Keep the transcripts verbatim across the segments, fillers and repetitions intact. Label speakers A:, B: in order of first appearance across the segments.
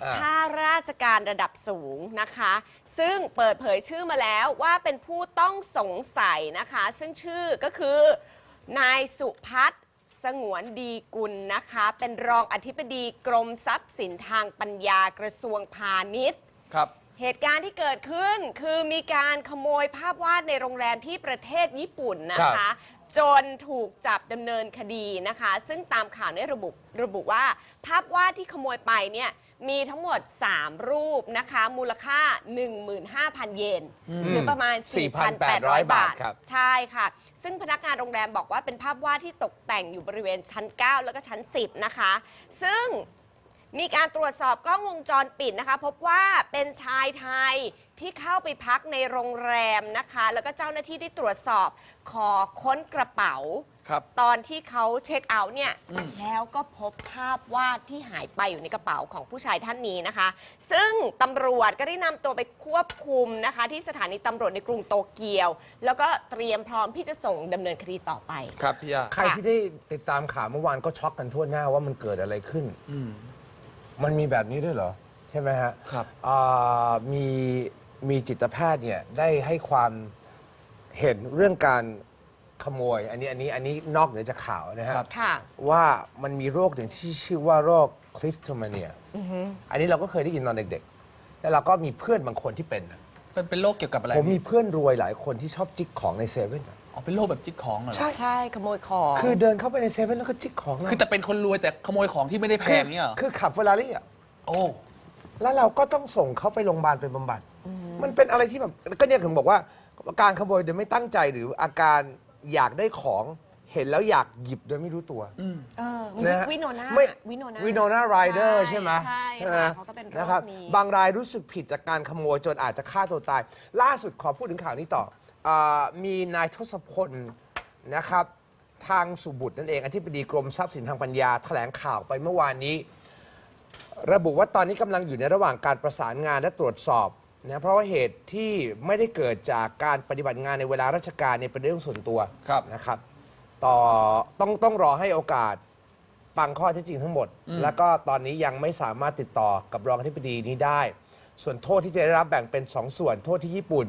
A: ข้าราชการระดับสูงนะคะซึ่งเปิดเผยชื่อมาแล้วว่าเป็นผู้ต้องสงสัยนะคะซึ่งชื่อก็คือนายสุพัฒน์สงวนดีกุลนะคะเป็นรองอธิบดีกรมทรัพย์สินทางปัญญากระทรวงพาณิชย์
B: ครับ
A: เหตุการณ์ที่เกิดขึ้นคือมีการขโมยภาพวาดในโรงแรมที่ประเทศญี่ปุ่นนะคะจนถูกจับดำเนินคดีนะคะซึ่งตามข่าวเนี่ยระบุระบุว่าภาพวาดที่ขโมยไปเนี่ยมีทั้งหมดสามรูปนะคะมูลค่า หนึ่งหมื่นห้าพัน เยนหรือประมาณ สี่พันแปดร้อย บาทใช่ค่ะซึ่งพนักงานโรงแรมบอกว่าเป็นภาพวาดที่ตกแต่งอยู่บริเวณชั้นเก้าแล้วก็ชั้นสิบนะคะซึ่งมีการตรวจสอบกล้องวงจรปิดนะคะพบว่าเป็นชายไทยที่เข้าไปพักในโรงแรมนะคะแล้วก็เจ้าหน้าที่ที่ตรวจสอบขอค้นกระเป๋าตอนที่เขาเช็คเอาท์เนี่ยแล้วก็พบภาพวาดที่หายไปอยู่ในกระเป๋าของผู้ชายท่านนี้นะคะซึ่งตำรวจก็ได้นำตัวไปควบคุมนะคะที่สถานีตำรวจในกรุงโตเกียวแล้วก็เตรียมพร้อมที่จะส่งดำเนินคดีต่อไป
B: ครับพี่ยา
C: ใครที่ได้ติดตามข่าวเมื่อวานก็ช็อกกันทั่วหน้าว่ามันเกิดอะไรขึ้นมันมีแบบนี้ด้วยเหรอใช่ไหมฮะ
B: ครับ
C: มีมีจิตแพทย์เนี่ยได้ให้ความเห็นเรื่องการขโมยอันนี้อันนี้อันนี้นอกเหนือจากข่าวนะฮะว่ามันมีโรคหนึ่งที่ชื่อว่าโรคคลิฟโทมาเนียอันนี้เราก็เคยได้ยินตอนเด็กๆแต่เราก็มีเพื่อนบางคนที่เป็น
B: เป็นเป็นโรคเกี่ยวกับอะไร
C: ผมมีเพื่อนรวยหลายคนที่ชอบจิกของในเซเว่น
B: อ๋อเป็นโรคแบบจิกของเหรอ
A: ใช่ใช่ขโมยของ
C: คือเดินเข้าไปในเซเว่นแล้วก็จิกของ
B: คือแต่เป็นคนรวยแต่ขโมยของที่ไม่ได้แพงเนี่ยหรอ
C: คือขับเฟอร์รารี่อ่ะ
B: โอ้
C: แล้วเราก็ต้องส่งเขาไปโรงพยาบาลไปบำบัดมันเป็นอะไรที่แบบก็เนี่ยถึงบอกว่าการขโมยโดยไม่ตั้งใจหรืออาการอยากได้ของเห็นแล้วอยากหยิบโดยไม่รู้ตัว
A: นะวิโนนา
C: วิโนนาวิโนนาไรเดอร์ใช่ไหม
A: ใช่ค่ะเขาก็เป็นโรคนี้
C: บางรายรู้สึกผิดจากการขโมยจนอาจจะฆ่าตัวตายล่าสุดขอพูดถึงข่าวนี้ต่อมีนายทศพลนะครับทางสุบุตรนั่นเองอธิบดีกรมทรัพย์สินทางปัญญาแถลงข่าวไปเมื่อวานนี้ระบุว่าตอนนี้กำลังอยู่ในระหว่างการประสานงานและตรวจสอบนะเพราะว่าเหตุที่ไม่ได้เกิดจากการปฏิบัติงานในเวลาราชการในเป็นเรื่องส่วนตัวนะครับต่อต้องต้องรอให้โอกาสฟังข้อเท็จจริงทั้งหมดแล้วก็ตอนนี้ยังไม่สามารถติดต่อกับรองอธิบดีนี้ได้ส่วนโทษที่จะได้รับแบ่งเป็นสองส่วนโทษที่ญี่ปุ่น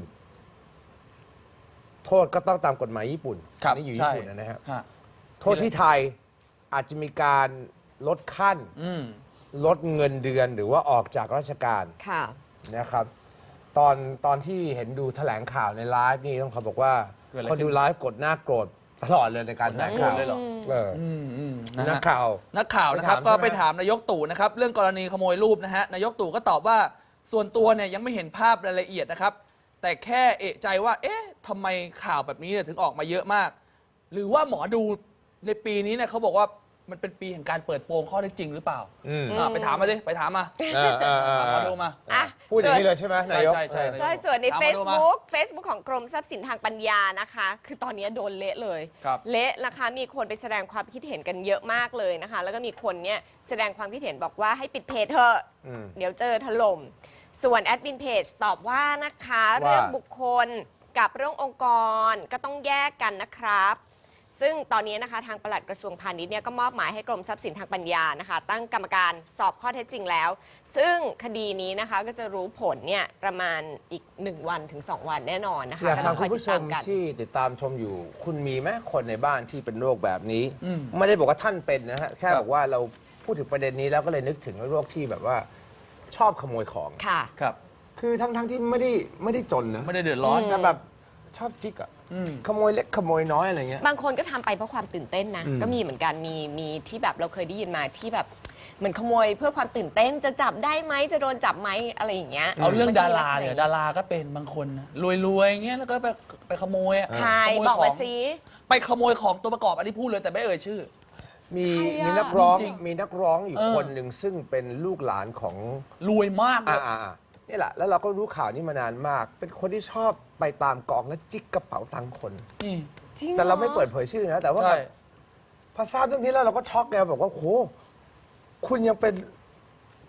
C: โทษก็ต้องตามกฎหมายญี่ปุ่นนี่อยู่ญี่ปุ่นนะฮะโทษที่ไทยอาจจะมีการลดขั้นลดเงินเดือนหรือว่าออกจากราชการนะครับตอนตอนที่เห็นดูแถลงข่าวในไลฟ์นี่ต้องขอบอกว่าคนดูไลฟ์กดหน้าโกรธตลอดเลยในการแถลงข่าวเลยหรอนักข่าว
B: นักข่าวนะครับก็ไปถามนายกตู่นะครับเรื่องกรณีขโมยรูปนะฮะนายกตู่ก็ตอบว่าส่วนตัวเนี่ยยังไม่เห็นภาพรายละเอียดนะครับแต่แค่เอะใจว่าเอ๊ะทำไมข่าวแบบนี้เนี่ยถึงออกมาเยอะมากหรือว่าหมอดูในปีนี้เนี่ยเขาบอกว่ามันเป็นปีแห่งการเปิดโปงข้อเท็จจริงหรือเปล่าไปถามมาสิไปถามมาขอดูมา
C: พูดอย่างนี้เลยใช่ไหมนายก
B: ใช่ใช่
A: ใช่ส่วนใน Facebook Facebook ของกรมทรัพย์สินทางปัญญานะคะคือตอนนี้โดนเละเลยเละนะคะมีคนไปแสดงความคิดเห็นกันเยอะมากเลยนะคะแล้วก็มีคนเนี่ยแสดงความคิดเห็นบอกว่าให้ปิดเพจเถอะเดี๋ยวเจอถล่มส่วนแอดมินเพจตอบว่านะคะเรื่องบุคคลกับเรื่ององค์กรก็ต้องแยกกันนะครับซึ่งตอนนี้นะคะทางปลัดกระทรวงพาณิชย์เนี่ยก็มอบหมายให้กรมทรัพย์สินทางปัญญานะคะตั้งกรรมการสอบข้อเท็จจริงแล้วซึ่งคดีนี้นะคะก็จะรู้ผลเนี่ยประมาณอีกหนึ่งวันถึงสองวันแน่นอนนะคะ
C: อยากถามคุณผู้ชมที่ติดตามชมอยู่คุณมีไหมคนในบ้านที่เป็นโรคแบบนี้ไม่ได้บอกว่าท่านเป็นนะฮะแค่บอกว่าเราพูดถึงประเด็นนี้แล้วก็เลยนึกถึงโรคที่แบบว่าชอบขโมยของ
A: ค่ะ
B: ครับ
C: คือทั้งทั้งที่ไม่ได้ไม่ได้จนนะ
B: ไม่ได้เดือดร้อน
C: แต่แบบชอบจิกอะขโมยเล็กขโมยน้อยอะไรเงี้ย
A: บางคนก็ทำไปเพราะความตื่นเต้นนะก็มีเหมือนกันมีมีที่แบบเราเคยได้ยินมาที่แบบเหมือนขโมยเพื่อความตื่นเต้นจะจับได้ไหมจะโดนจับไหมอะไรอย่างเงี้ย
B: เอาเรื่องดาราเนี่ยดาราก็เป็นบางคนรวยๆเงี้ยแล้วก็ไปไปขโมยอะ
A: ใช่บอกมาสิ
B: ไปขโมยของตัวประกอบอันนี้พูดเลยแต่ไม่เอ่ยชื่อ
C: มีมีนักร้องมีนักร้องอยู่คนหนึ่งซึ่งเป็นลูกหลานของ
B: รวยมากเลย
C: นี่แหละแล้วเราก็รู้ข่าวนี้มานานมากเป็นคนที่ชอบไปตามกองและจิกกระเป๋าตังค์คนแต่เราไม่เปิดเผยชื่อนะแต่ว่าพอทราบเรื่องนี้แล้วเราก็ช็อกไงบอกว่าโหคุณยังเป็น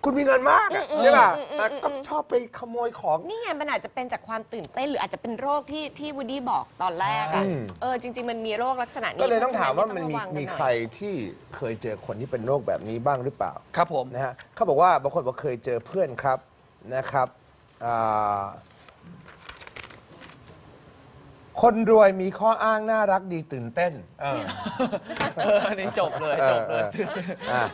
C: คุณมีเงินมากอะใช่ป่ะแต่ก็ชอบไปขโมยของ
A: นี่ไงมันอาจจะเป็นจากความตื่นเต้นหรืออาจจะเป็นโรคที่ที่วูดดี้บอกตอนแรกอะ
C: ใช่
A: เออจริง ๆ มันมีโรคลักษณะนี้
C: ก็เลยต้องถามว่ามัน
A: เพ
C: มี
A: ระฉะ
C: มี
A: ต้องะวังกันหน่อย
C: ใครที่เคยเจอคนที่เป็นโรคแบบนี้บ้างหรือเปล่า
B: ครับผม
C: นะฮะเขาบอกว่าบางคนบอกเคยเจอเพื่อนครับนะครับอ่าคนรวยมีข้ออ้างน่ารักดีตื่นเต้นเออ
B: เอออันนี้จบเลยจบเลย
C: อออออ่ะ